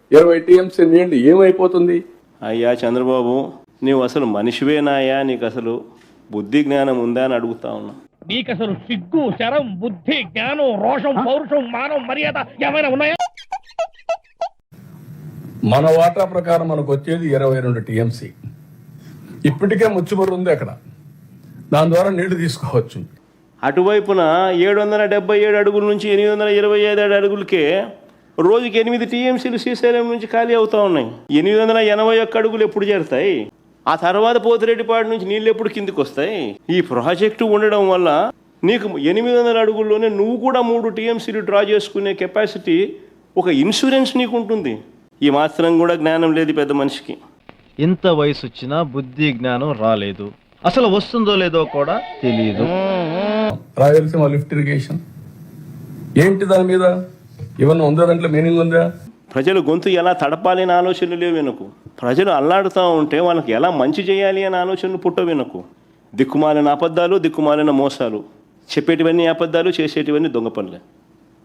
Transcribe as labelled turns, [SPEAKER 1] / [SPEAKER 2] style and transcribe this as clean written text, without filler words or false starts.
[SPEAKER 1] 20 TMC నీళ్లు ఏమైపోతుంది?
[SPEAKER 2] అయ్యా చంద్రబాబు, నీవు అసలు మనిషివేనాయా? నీకు అసలు బుద్ధి జ్ఞానం ఉందా అని అడుగుతా ఉన్నా.
[SPEAKER 3] నీకు అసలు సిగ్గు, శరం, బుద్ధి, జ్ఞానం, రోషం, పౌరుషం, మానం, మర్యాద ఏమైనా ఉన్నాయా?
[SPEAKER 1] మన వాటా ప్రకారం మనకు వచ్చేది 22 టీఎంసీ. ఇప్పటికే ముచ్చుమర్రు ఉంది అక్కడ, దాని ద్వారా నీళ్లు తీసుకోవచ్చు.
[SPEAKER 2] అటువైపున 777 అడుగుల నుంచి 825 అడుగులకే రోజుకి 8 టీఎంసీలు శ్రీశైలం నుంచి ఖాళీ అవుతా ఉన్నాయి. 881 అడుగులు ఎప్పుడు చేరుతాయి? ఆ తర్వాత పోతిరెడ్డిపాడు నుంచి నీళ్ళు ఎప్పుడు కిందికి వస్తాయి? ఈ ప్రాజెక్టు ఉండడం వల్ల నీకు 800 అడుగుల్లోనే నువ్వు కూడా 3 టీఎంసీలు డ్రా చేసుకునే కెపాసిటీ, ఒక ఇన్సూరెన్స్ నీకు ఉంటుంది. ఈ మాత్రం కూడా జ్ఞానం లేదు పెద్ద మనిషికి.
[SPEAKER 4] ఇంత వయసు వచ్చినా బుద్ధి జ్ఞానం రాలేదు, అసలు వస్తుందో లేదో కూడా తెలియదు.
[SPEAKER 1] రాయలసీమ లిఫ్ట్ ఇరిగేషన్ ఏంటి? దాని మీద ఏమన్నా ఉందా? దాంట్లో మీనింగ్ ఉందా?
[SPEAKER 2] ప్రజలు గొంతు ఎలా తడపాలి అనే ఆలోచనలు లేవు వెనుకు. ప్రజలు అల్లాడుతూ ఉంటే వాళ్ళకి ఎలా మంచి చేయాలి అనే ఆలోచనలు పుట్టవు వెనుకు. దిక్కుమాలిన అబద్ధాలు, దిక్కుమాలిన మోసాలు, చెప్పేటివన్నీ అబద్ధాలు, చేసేటివన్నీ దొంగ పనులే.